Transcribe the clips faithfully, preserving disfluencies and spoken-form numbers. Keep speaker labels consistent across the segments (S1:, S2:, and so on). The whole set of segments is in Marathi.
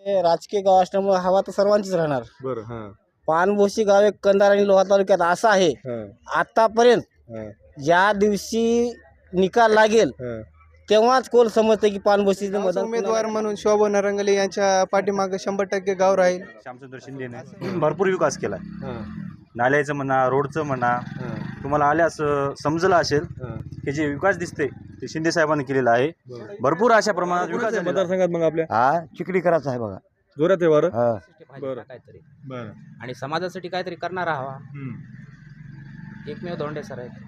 S1: हे राजकीय गाव असल्यामुळे हवा तर सर्वांचीच राहणार.
S2: बरं. हां.
S1: पानभोसी गाव एक कंधार आणि लोहा तालुक्यात असं आहे,
S2: हां.
S1: आतापर्यंत
S2: हां.
S1: ज्या दिवशी निकाल लागेल
S2: हां.
S1: तेव्हाच कोण समजते की पानभोसीचं
S3: गावचा
S1: मतदान
S3: उमेदवार म्हणून शोभा नरंगले यांच्या पाठीमागे शंभर टक्के गाव राहील.
S4: श्यामचंद्र शिंदेने भरपूर विकास केला.
S2: हां.
S4: नाल्याचं म्हणा, रोडचं म्हणा,
S2: हां.
S4: तुम्हाला आल्यास अ, समजलं असेल
S2: हां.
S4: की जे विकास दिसते ते शिंदे साहेबांनी केलेला आहे.
S2: बरं.
S4: भरपूर अशा प्रमाणात विकास
S2: कोणाच्या
S4: झालेला आहे.
S2: मतदारसंघात मग आपल्या
S5: हा चिखलीकराचा आहे बघा.
S2: जोरात आहे वारं.
S5: हा.
S2: बरं.
S6: काहीतरी
S2: बरं.
S6: आणि समाजासाठी काहीतरी करणारा हवा
S2: हम्म.
S6: एकमेव धोंडे सर आहेत.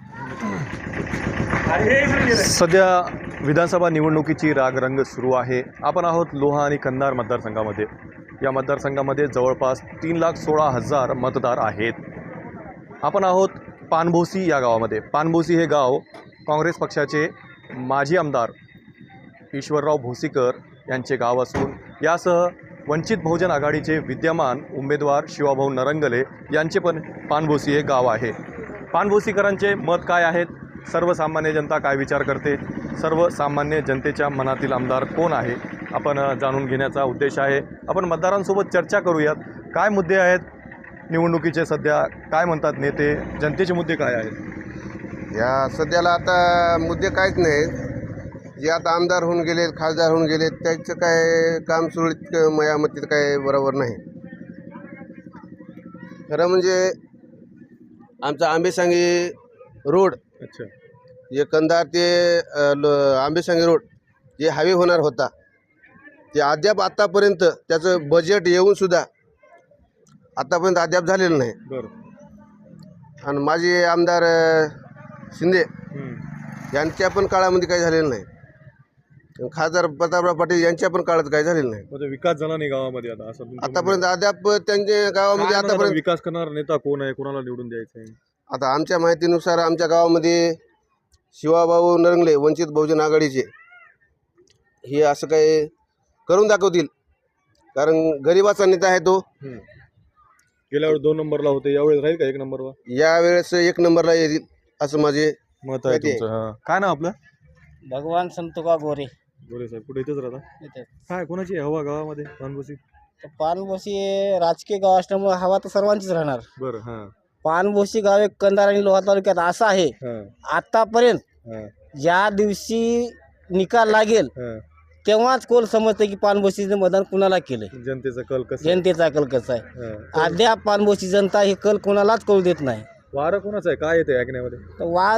S2: सध्या विधानसभा निवडणुकीची रागरंग सुरू आहे. आपण आहोत लोहा आणि कंधार मतदारसंघामध्ये. या मतदारसंघामध्ये जवळपास तीन लाख सोळा हजार मतदार आहेत. आपण आहोत पानभोसी या गावामध्ये. पानभोसी हे गाव काँग्रेस पक्षाचे माजी आमदार ईश्वरराव भोसीकर यांचे गाव असून यासह वंचित बहुजन आघाडीचे विद्यमान उमेदवार शिवाभाऊ नरंगले यांचे पण पानभोसी हे गाव आहे. पानभोसीकरांचे मत काय आहेत, सर्वसामान्य जनता काय विचार करते, सर्वसामान्य जनतेच्या मनातील आमदार कोण आहे, आपण जाणून घेण्याचा उद्देश आहे. आपण मतदारांसोबत चर्चा करूयात. काय मुद्दे आहेत निवडणुकीचे, सध्या काय म्हणतात नेते, जनतेचे मुद्दे काय आहेत.
S7: या सध्याला आता मुद्दे काहीच नाहीत. जे आता आमदार होऊन गेले, खासदार होऊन गेले, त्याचं काय काम सुरळीत माझ्या मतीत काय बरोबर नाही. खरं म्हणजे आमचा आंबेसांगी रोड,
S2: अच्छा.
S7: जे कंधार ते अ, ल- आंबेसांगी रोड जे हायवे होणार होता ते अद्याप आत्तापर्यंत त्याचं बजेट येऊनसुद्धा आत्तापर्यंत अद्याप झालेलं नाही.
S2: बरं.
S7: आणि माझे आमदार अ, शिंदे
S2: हम्म.
S7: यांच्या पण काळामध्ये काही झालेलं नाही. खासदार प्रतापराव पाटील यांच्या पण काळात काही झालेलं नाही.
S2: म्हणजे विकास झाला नाही गावामध्ये आता असं तुमचं म्हणणं
S7: आतापर्यंत अद्याप त्यांच्या
S2: आहे.
S7: गावामध्ये
S2: काय म्हणतात
S7: आतापर्यंत
S2: विकास करणारा नेता कोण आहे, कोणाला निवडून द्यायचं आहे.
S7: आता आमच्या माहितीनुसार आमच्या गावामध्ये शिवाभाऊ नरंगले वंचित बहुजन आघाडीचे हे असं काही करून दाखवतील. कारण गरिबाचा नेता आहे तो.
S2: हम्म. गेल्या वेळेस दोन नंबरला होते, यावेळेस राहील का एक नंबरला.
S7: यावेळेस एक नंबरला येतील असं माझे
S2: मत आहे
S7: माहिती आहे.
S2: तुमचं. हां. काय नाव आपलं.
S1: भगवान संतोबा गोरे
S2: गोरे साहेब कुठे इथेच राहता.
S1: इथे.
S2: काय कोणाची आहे हवा गावामध्ये पानभोसी.
S1: तर पानभोसी हे राजकीय गाव असल्यामुळे हवा तर सर्वांचीच राहणार.
S2: बरं. हां.
S1: पानभोसी गाव एक कंधार आणि लोहा तालुक्यात असं आहे,
S2: हां.
S1: आतापर्यंत
S2: हां.
S1: ज्या दिवशी निकाल लागेल
S2: हां.
S1: तेव्हाच कोण समजते की पानभोसीचं मतदान कुणाला केलंय,
S2: जनतेचा कल कसं आहे?
S1: जनतेचा कल कसा आहे.
S2: हां.
S1: अद्याप पानभोसी जनता हे कल कोणालाच कळू देत नाही.
S2: वारं कोणाचं आहे, काय येते ऐकण्यामध्ये.
S1: तर वार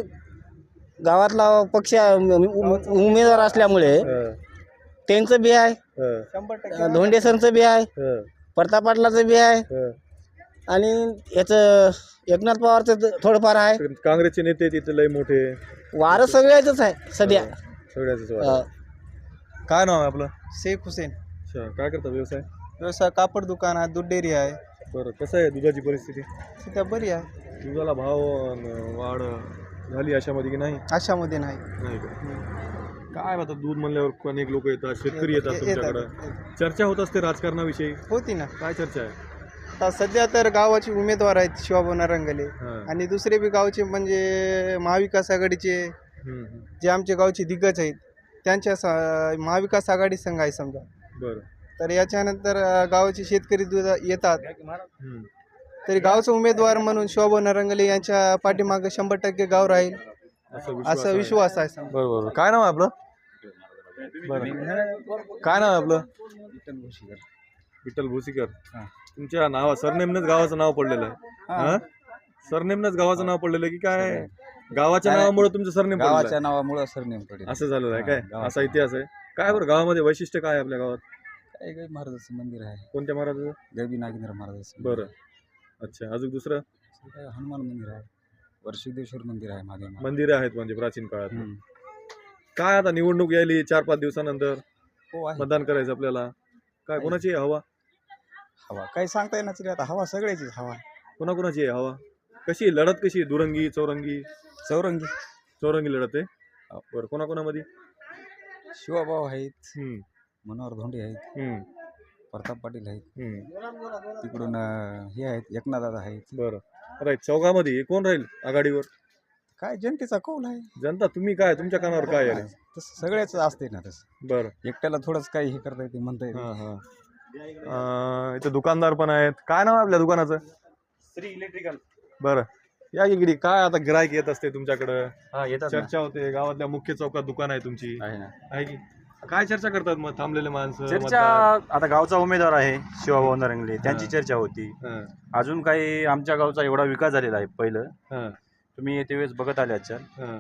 S1: गावातला पक्ष उम- उमेदवार असल्यामुळे
S2: हां.
S1: त्यांचं बी आहे,
S2: हां.
S3: शंभर टक्के
S1: धोंडेसरचं बी आहे,
S2: हां.
S1: प्रताप पाटलाचं बी आहे
S2: हां.
S1: आणि याचं एकनाथ पवारचं थ- थोडंफार आहे.
S2: काँग्रेसचे नेते तिथे लय मोठे
S1: वारं सगळ्याचंच आहे सध्या.
S2: सगळ्याच.
S1: अं,
S2: काय नाव आहे आपलं.
S3: शेख हुसेन.
S2: अच्छा. काय करता व्यवसाय.
S3: व्यवसाय कापड दुकान आहे, दूध डेअरी आहे.
S2: बरं. कसं आहे दुधाची परिस्थिती.
S3: सध्या बरी आहे,
S2: दुधाला भाव अन वाढ झाली अशामध्ये की नाही.
S3: अशामध्ये नाही.
S2: नाही का. काय आता दूध म्हणल्यावर अनेक लोक येतात, शेतकरी येतात
S3: येतात.
S2: तुमच्याकडं. चर्चा होत असते राजकारणाविषयी.
S3: होती ना.
S2: काय चर्चा आहे.
S3: आता सध्या तर गावाचे उमेदवार आहेत शिवाभाऊ नरंगले
S2: हां.
S3: आणि दुसरे बी गावचे म्हणजे महाविकास आघाडीचे
S2: हम्म, हम्म.
S3: जे आमचे गावचे दिग्गज आहेत त्यांच्या स- महाविकास आघाडी संघ आहे समजा.
S2: बरं.
S3: तर याच्यानंतर अ, गावाचे शेतकरी दूध येतात.
S2: हम्म.
S3: तरी गावचा उमेदवार म्हणून शोभा नरंगले यांच्या पाठीमागे शंभर टक्के गाव राहील
S2: असं विश्वास
S3: असा
S2: आहे.
S3: विश्वास आहे समजा.
S2: बरं बरं. काय नाव आहे आपलं. बरं. काय नाव आहे आपलं. विठ्ठल भोसीकर. तुमच्या नावा सरनेमनंच गावाचं नाव पडलेलं आहे. हां. सरनेमनंच गावाचं नाव पडलेलं आहे की काय. गावाच्या नावामुळे तुमचं सरनेम पडलेलं
S5: गावाच्या नावामुळे सरनेम पडेल.
S2: आहे. असं झालेलं आहे
S5: हां,
S2: काय.
S5: गावाचं.
S2: असा इतिहास आहे. काय बरं गावामध्ये वैशिष्ट्य काय आहे आपल्या गावात.
S5: काय काही महाराजाचं मंदिर आहे,
S2: कोणत्या महाराजाचं.
S5: गरबी नागेंद्र महाराजाचं.
S2: बरं. अच्छा. अजून दुसरं
S5: काय हनुमान मंदिर आहे, वर्षिदेश्वर मंदिर आहे मागे.
S2: मंदिरं आहेत म्हणजे प्राचीन काळात.
S5: हम्म.
S2: काय आता निवडणूक यायली चार पाच दिवसानंतर
S5: हो आहे
S2: मतदान करायचं आपल्याला. काय कोणाची आहे हवा.
S5: हवा. काही सांगता येणार तरी आता हवा सगळ्याचीच हवा.
S2: कोणाकोणाची आहे हवा. कशी आहे? लढत कशी आहे? दुरंगी चौरंगी.
S5: चौरंगी.
S2: चौरंगी लढत आहे. बरं. कोणाकोणामध्ये.
S5: शिवाभाऊ आहेत,
S2: हम्म,
S5: मनोहर धोंडे आहेत,
S2: हम्म,
S5: प्रताप पाटील आहेत,
S2: हम्म.
S5: तिकडून अं, हे आहेत एकनाथदादा आहेत.
S2: बरं. राईट. चौघामध्ये कोण राहील आघाडीवर.
S5: काय जनतेचा कौल आहे
S2: जनता तुम्ही काय तुमच्या कानावर काय आहे
S5: तसं सगळ्याच असते ना तसं
S2: बरं
S5: एकट्याला थोडंच काही हे करता येते म्हणता येते
S2: हां हां अं, इथे दुकानदार पण आहेत. काय नाव आहे आपल्या दुकानाचं?
S4: श्री इलेक्ट्रिकल.
S2: बरं या इकडे. काय आता गिराईक येत असते तुमच्याकडं,
S4: हा येतात ना.
S2: चर्चा होते गावातल्या मुख्य चौकात दुकान आहे तुमची,
S4: आहे ना.
S2: आहे की काय चर्चा करतात मग थांबलेले माणसं
S4: चर्चा
S2: मतदार?
S4: आता गावचा उमेदवार आहे शिवाभाऊ नरंगले, त्यांची
S2: हा.
S4: चर्चा होती.
S2: हां,
S4: अजून काही आमच्या गावचा एवढा विकास झालेला आहे. पहिलं
S2: हां,
S4: तुम्ही येते वेळेस बघत आले आजच्या
S2: हां,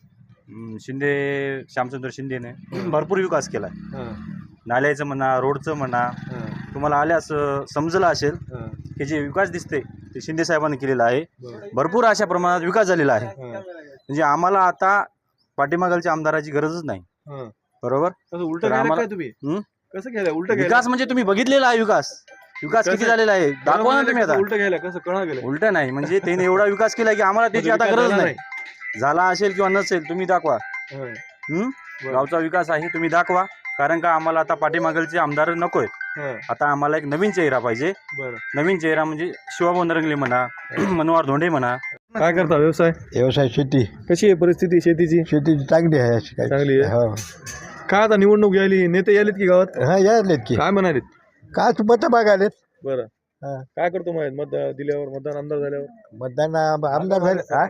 S4: हम्म, शिंदे श्यामचंद्र शिंदेने भरपूर विकास केला.
S2: हां,
S4: नाल्याचं म्हणा, रोडचं म्हणा,
S2: हां,
S4: तुम्हाला आल्यास अं, समजलं असेल
S2: हां,
S4: की जे विकास दिसते ते शिंदे साहेबांनी केलेला आहे.
S2: बरं.
S4: भरपूर अशा प्रमाणात विकास झालेला आहे.
S2: हां,
S4: म्हणजे आम्हाला आता पाठीमागालच्या आमदाराची गरजच नाही.
S2: हां.
S4: बरोबर.
S2: कसं उलट
S4: तर
S2: गेलं
S4: आम्हाला-
S2: काय तुम्ही?
S4: हं?
S2: कसं गेलं उलट गेलं?
S4: विकास म्हणजे तुम्ही बघितलेला आहे. विकास विकास किती
S2: कसं-
S4: झालेला आहे दाखवा ना तुम्ही आता.
S2: उलट गेलं कसं कळा गेलं?
S4: उलट नाही म्हणजे त्याने एवढा विकास केला की आम्हाला त्याची आता
S2: विकास
S4: गरज
S2: झाला
S4: नाही. झाला असेल किंवा नसेल तुम्ही दाखवा.
S2: हां,
S4: हं?
S2: बरं.
S4: गावचा विकास आहे तुम्ही दाखवा. कारण का आम्हाला आता पाठीमागलचे आमदार नकोय.
S2: हां,
S4: आता आम्हाला एक नवीन चेहरा पाहिजे.
S2: बरं.
S4: नवीन चेहरा म्हणजे शिवाभाऊ नरंगले म्हणा, मनोहर धोंडे म्हणा.
S2: काय करता व्यवसाय?
S8: व्यवसाय शेती
S2: कशी आहे परिस्थिती शेतीची?
S8: शेतीची चांगली आहे अशी काही
S2: चांगली आहे.
S8: हो
S2: काय आता निवडणूक यायली, नेते यायलेत की गावात?
S8: हा यायलेत की
S2: काय म्हणालेत?
S8: काय तू मतं मागायलेत
S2: बरं
S8: हा.
S2: काय करतो माहित मत दिल्यावर, मतदान आमदार झाल्यावर?
S8: मतदान आम- आमदार झाले हा?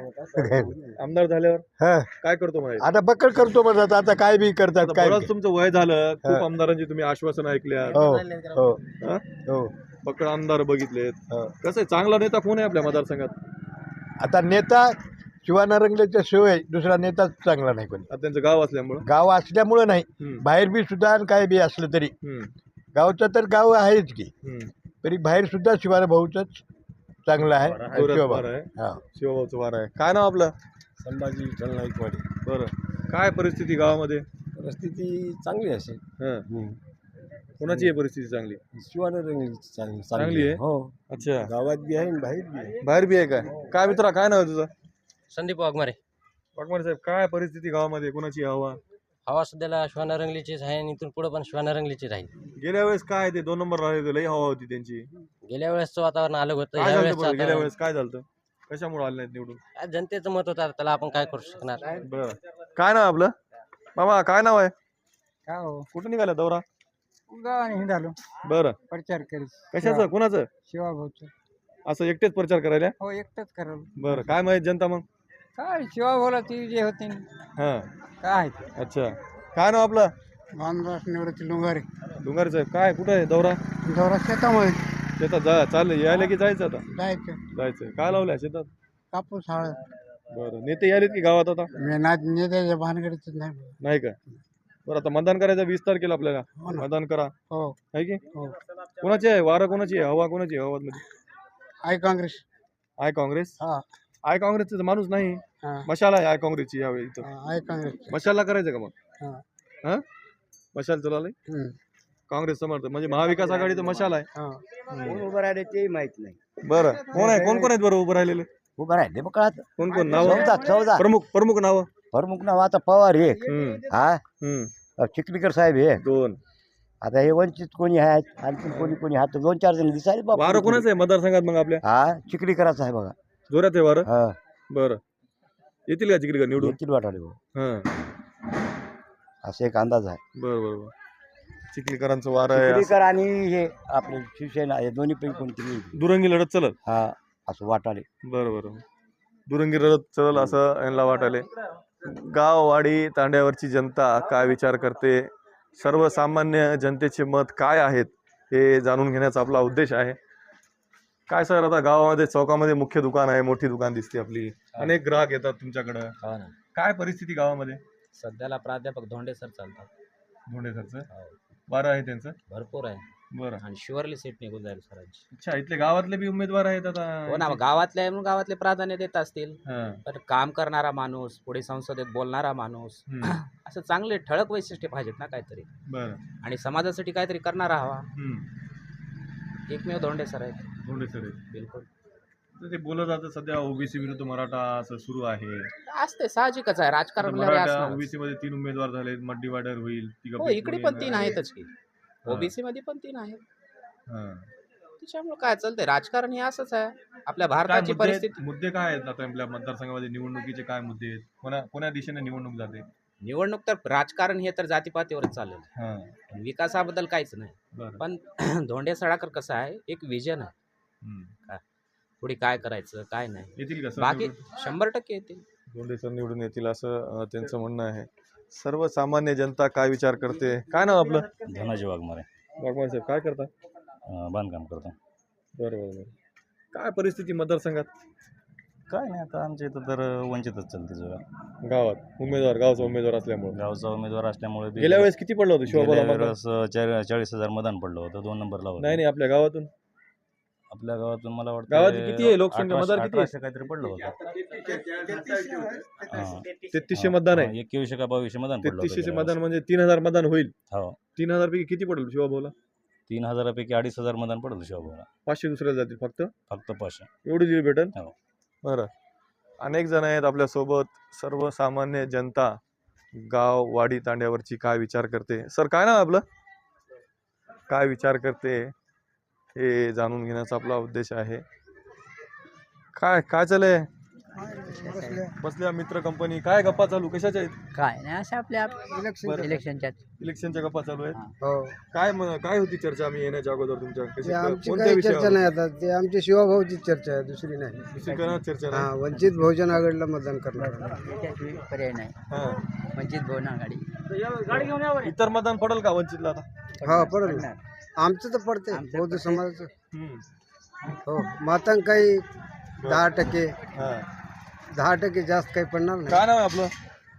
S2: आमदार झाल्यावर
S8: हा.
S2: काय करतो माहित?
S8: आता पकड करतो म्हणतात आता काय बी करतात
S2: आता
S8: काय
S2: बरंच तुमचं वय झालं, खूप
S8: हा.
S2: आमदारांची तुम्ही आश्वासन ऐकल्या,
S8: हो हो
S2: हा?
S8: हो
S2: पकड आमदार बघितलेत.
S8: हो.
S2: कसं आहे, चांगला नेता कोण आहे आपल्या मतदारसंघात?
S8: आता नेता शिवानारंगलेच्या शिवाय दुसरा नेताच चांगला नाही कोणी.
S2: आता त्यांचं गाव असल्यामुळं.
S8: गाव असल्यामुळं नाही,
S2: हम्म,
S8: बाहेर बी सुद्धा आणि काय बी असलं तरी
S2: हम्म,
S8: गावचं तर गाव आहेच की,
S2: हम्म.
S8: तरी बाहेर सुद्धा शिवाना भाऊचंच चांगलं आहे.
S2: जोरात
S8: शिवभाऊ.
S2: वार आहे.
S8: हा.
S2: शिवभाऊचं वार आहे. काय नाव आपलं?
S5: संभाजी विठ्ठल नाईकवाडी.
S2: बरं काय परिस्थिती गावामध्ये?
S5: परिस्थिती चांगली असेल.
S2: हां, कोणाची आहे परिस्थिती चांगली?
S5: शिवानरंगली चांगली
S2: चांगली आहे?
S5: हो
S2: अच्छा,
S5: गावात बी आहे आणि बाहेर बी आहे.
S2: बाहेर बी आहे काय? काय मित्रा काय नाव आहे तुझं?
S6: संदीप वाघमारे.
S2: वाघमारे साहेब काय परिस्थिती गावामध्ये, कोणाची हवा?
S6: हवा सध्याला शिवानरंगलीचीच आहे आणि इथून पुढे पण शिवानरंगलीचीच राहील.
S2: गेल्या वेळेस काय ते दोन नंबर राहिले, लई हवा होती त्यांची.
S6: गेल्या वेळेसचं वातावरण अलग होतं.
S2: काय
S6: या
S2: झालं
S6: वेळेस
S2: बरं? गेल्या वेळेस काय झालं? कशामुळे आले नाहीत निवडून?
S6: जनतेचं मत होतं, त्याला आपण काय करू शकणार.
S2: बरं काय नाव आपलं? मामा काय नाव आहे?
S3: का हो
S2: कुठं निघाला दौरा?
S3: गावाने हिंडालो
S2: बरं
S3: प्रचार करीत
S2: कशाचं, कोणाचं?
S3: शिवाभाऊचं.
S2: असं एकटेच प्रचार करायला?
S3: हो एकटंच करावं.
S2: बरं काय माहित जनता मग?
S3: काय शिवाभाऊला ती जे होते
S2: हां,
S3: काय
S2: अच्छा. काय नाव आपलं?
S3: मानदास निवृत्ती लुंगारे.
S2: डोंगारे साहेब काय कुठं आहे दौरा?
S3: दौरा शेतामध्ये
S2: शेतात जा चाललं, यायला की जायचं आता?
S3: जायचं.
S2: जायचं. काय लावलंय शेतात?
S3: कापूस हळद.
S2: बरं नेते यायलेत की गावात आता?
S3: नेत्याच्या भानगडीच नाही.
S2: नाही का? बरं आता मतदान करायचं वीस तारखेला आपल्याला.
S3: हो ना.
S2: मतदान करा,
S3: हो
S2: आहे की?
S3: हो.
S2: कोणाची आहे वारं, कोणाची आहे हवा, कोणाची आहे गावात मध्ये?
S3: आय काँग्रेस.
S2: आय काँग्रेस?
S3: हा
S2: आय काँग्रेसचा माणूस नाही,
S3: हा
S2: मशाला आहे आय काँग्रेसची यावेळी इथं.
S3: आय काँग्रेस.
S2: मशालला करायचं का मग?
S3: हा.
S2: हा मशाल चालवलंय काँग्रेस समर्थ म्हणजे महाविकास आघाडीचं मशाल आहे.
S3: हा.
S8: उभं राहिले ते माहित नाही.
S2: बरं कोण आहे, कोण कोण आहेत बरं उभं राहिलेले?
S8: उभं राहिले मग कळत
S2: कोण कोण नाव?
S8: चौदा चौदा
S2: प्रमुख प्रमुख नाव?
S8: प्रमुख नाव आता पवार एक
S2: हम्म,
S8: हा
S2: हम्म.
S8: चिखलीकर साहेब एक.
S2: दोन.
S8: आता हे वंचित कोणी आहेत आणखी कोणी कोणी हात दोन चार जण दिसायला बाप.
S2: वारं कोणाचं आहे मतदारसंघात मग आपल्या?
S8: हा चिखलीकराचा आहे बघा.
S2: जोरात आहे वारं?
S8: हा
S2: बरं येतील का तिकडे निवडून?
S8: येतील वाटाले भाऊ.
S2: हां,
S8: असा एक अंदाज आहे.
S2: बरं बरं बरं. चिखलीकरांचं वारं आहे.
S8: चिखलीकर आणि हे आपले शिवसेना हे दोन्ही पैकी कोणती नाही.
S2: दुरंगी लढत चलत.
S8: हा असं वाटाले.
S2: बरं बरं दुरंगी लढत चल असं यांना वाटाले. गाववाडी तांड्यावरची जनता काय विचार करते, सर्वसामान्य जनतेचे मत काय आहेत हे जाणून घेण्याचा आपला उद्देश आहे. काय सर आता गावामध्ये चौकामध्ये मुख्य दुकान आहे, मोठी दुकान दिसते आपली, अनेक ग्राहक येतात तुमच्याकडं. काय परिस्थिती गावामध्ये?
S6: सध्याला प्राध्यापक धोंडे सर चालतात.
S2: धोंडे सरचं वारं आहे त्यांचं?
S6: भरपूर आहे
S2: बरं
S6: आणि शुअरली सीट निघून जाईल सरांची.
S2: अच्छा, इथले गावातले बी उमेदवार आहेत आता?
S6: हो ना, मग गावातले आहे म्हणून गावातले प्राधान्य देत असतील.
S2: हां,
S6: पण काम करणारा माणूस, पुढे संसदेत बोलणारा माणूस,
S2: हम्म,
S6: असं चांगले ठळक वैशिष्ट्य पाहिजेत ना काहीतरी,
S2: बरं,
S6: आणि समाजासाठी काहीतरी करणारा हवा.
S2: हम्म.
S6: एकमेव धोंडे सर आहेत.
S2: धोंडे सर आहेत.
S6: बिलकुल
S2: तर ते बोलत जातं सध्या ओबीसी विरुद्ध मराठा असं सुरू आहे.
S6: असते, साहजिकच आहे, राजकारण
S2: मराठा ओबीसी मध्ये तीन उमेदवार झाले, मत डिवायडर होईल.
S6: हो, इकडे पण तीन आहेतच की, ओबीसी मध्ये पण तीन आहेत.
S2: हां,
S9: त्याच्यामुळे काय चालतंय राजकारण हे असंच आहे आपल्या
S2: काय
S9: भारताची
S2: मुद्दे
S9: परिस्थिती.
S2: मुद्दे काय आहेत आता आपल्या मतदारसंघामध्ये निवडणुकीचे काय मुद्दे आहेत कोणा कोण्या दिशेने निवडणूक जाते?
S9: निवडणूक तर राजकारण हे तर जातीपातीवरच चाललेलं
S2: हां
S9: आहे. विकासाबद्दल काहीच नाही.
S2: बरं
S9: पण धोंडे सडाकर कसं आहे एक विजन आहे.
S2: हम्म.
S9: पुढे काय करायचं काय नाही
S2: येतील का सर
S9: बाकी
S2: निवडून?
S9: शंभर टक्के येतील.
S2: दोंडे सर निवडून येतील असं अं, त्यांचं म्हणणं आहे. सर्वसामान्य जनता काय विचार करते? काय नाव आपलं?
S4: धनाजी वाघमारे
S2: वाघमारे साहेब काय करता?
S4: अं, बांधकाम करतो.
S2: बरं बरं बरं काय परिस्थिती मतदारसंघात
S4: काय नाही आता आमच्या इथं तर वंचितच चालते जरा
S2: गावात उमेदवार गावचा उमेदवार असल्यामुळे
S4: गावचा उमेदवार असल्यामुळे बी-
S2: गेल्या वेळेस किती पडलं होतं शिवाबाला
S4: गेल्या
S2: मतदान?
S4: वेळेस चार- चाळीस हजार मतदान पडलं होतं दोन नंबरला होतं.
S2: नाही नाही आपल्या गावातून
S4: आपल्या गावातून मला वाटतं
S2: गावात किती आहे लोकसंख्या मतदार किती आहे?
S4: अठराशे काहीतरी पडलं होतं. हां.
S2: तेहतीसशे मतदान आहे.
S4: एकवीसशे का बावीसशे मतदान पडलं होतं
S2: तेहतीसशे
S4: गेल्या
S2: मतदान म्हणजे तीन हजार मतदान होईल.
S4: वेळेस. हो
S2: तीन हजार पैकी किती पडेल शिवाभाऊला?
S4: तीन हजारापैकी अडीच हजार मतदान पडलं शिवाभाऊला
S2: पाचशे दुसऱ्याला जातील फक्त
S4: फक्त पाचशे.
S2: एवढी दिली भेटेल.
S4: हो.
S2: बरं अनेक जण आहेत आपल्यासोबत सर्वसामान्य जनता गाव वाडी तांड्यावरची काय विचार करते? सर काय नाव आहे आपलं? काय विचार करते हे जाणून घेण्याचा आपला उद्देश आहे. काय काय चालय? बसल्या मित्र कंपनी काय गप्पा चालू कशाच्या आहेत?
S6: काय नाही अशा आपल्या
S2: बरं.
S6: इलेक्शनच्या
S2: इलेक्शनच्या गप्पा चालू आहेत.
S3: हो
S2: काय म- काय होती चर्चा आम्ही येण्याच्या अगोदर तुमच्या
S3: ते
S2: कशी-
S3: आमची
S2: कोणत्या
S3: काही चर्चा
S2: विषयावर?
S3: नाही आता ते आमची शिवाभाऊची चर्चा आहे दुसरी नाही.
S2: दुसरी कोणावर चर्चा
S3: हा
S2: नाही.
S3: वंचित बहुजन आघाडीला मतदान करणार.
S6: पर्याय नाही
S2: हा.
S6: वंचित बहुजन आघाडी.
S2: इतर मतदान पडेल का वंचितला आता?
S3: हा पडेल ना. आमचं तर पडते
S6: आमचं
S3: बौद्ध
S6: पडते.
S3: समाजाचं.
S2: हम्म.
S3: हो मातांक काही दहा टक्के
S2: हा.
S3: दहा टक्के जास्त काही पडणार नाही.
S2: काय नाव आहे आपलं?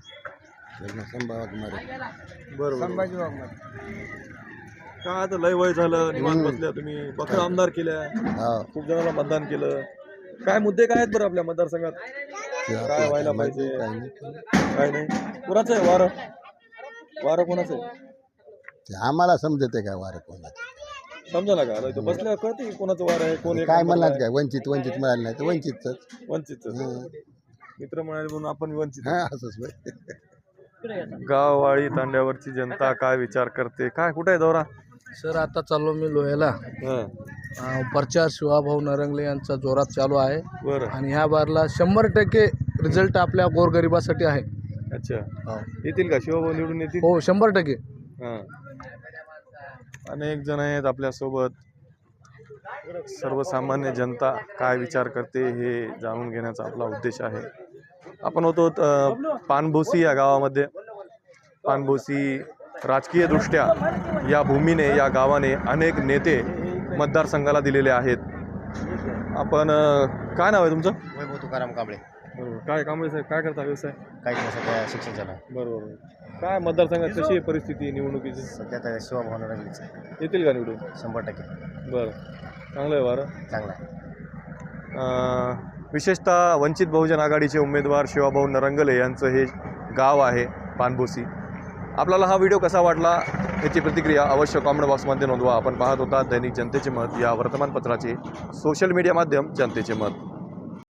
S3: संभाजी
S2: बरोबर
S3: वाघमारे.
S2: काय आता लय वय झालं निवांत बसल्या तुम्ही बखर आमदार केल्या खूप जणांना मतदान केलं. काय मुद्दे काय आहेत बरं आपल्या मतदारसंघात? काय व्हायला पाहिजे काय नाही? कोणाचं आहे वारं? वारं कोणाचं आहे?
S8: आम्हाला समजते काय वारं कोणाचं
S2: समजा ना का आता इथं बसल्या कळते की कोणाचं वारं आहे कोण एक
S8: काय
S2: नंबरला
S8: म्हणणार
S2: आहे?
S8: काय वंचित वंचित मिळालं नाही तर वंचितच
S2: वंचितचं. मित्र म्हणाले म्हणून आपण वंचित.
S8: हा असंच होय.
S2: गाववाडी तांड्यावरची जनता काय विचार करते? काय कुठे आहे दौरा?
S10: सर आता चाललो मी लोह्याला.
S2: हं,
S10: अं, प्रचार शिवाभाऊ नरंगले यांचा जोरात चालू आहे
S2: बरं
S10: आणि ह्या बारला शंभर टक्के रिझल्ट आपल्या गोरगरिबासाठी आहे.
S2: अच्छा
S10: हो.
S2: येतील का शिवभाऊ निवडून येतील?
S10: हो शंभर टक्के.
S2: हां अनेक जण आहेत आपल्यासोबत. सर्वसामान्य जनता काय विचार करते हे जाणून घेण्याचा आपला उद्देश आहे. आपण होतो अ, पानभोसी या गावामध्ये. पानभोसी राजकीयदृष्ट्या या भूमीने या गावाने अनेक नेते मतदारसंघाला दिलेले आहेत. आपण अ, काय नाव आहे तुमचं?
S6: वैभव तुकाराम कांबळे.
S2: बरोबर काय काम आहे काय करता व्यवसाय?
S6: काही नाही सध्या शिक्षण चालू आहे.
S2: बरोबर काय मतदारसंघात कशी आहे परिस्थिती निवडणुकीची?
S6: सध्या तर शिवाभाऊ नरंगलेचं
S2: येतील का निवडून?
S6: शंभर टक्के
S2: बरं चांगलं आहे वारं.
S6: चांगला आहे.
S2: अ, विशेषतः वंचित बहुजन आघाडीचे उमेदवार शिवाभाऊ नरंगले यांचं हे गाव आहे पानभोसी. आपल्याला हा व्हिडिओ कसा वाटला याची प्रतिक्रिया अवश्य कॉमेंट बॉक्समध्ये नोंदवा. आपण पाहत होता दैनिक जनतेचे मत या वर्तमानपत्राचे सोशल मीडिया माध्यम जनतेचे मत.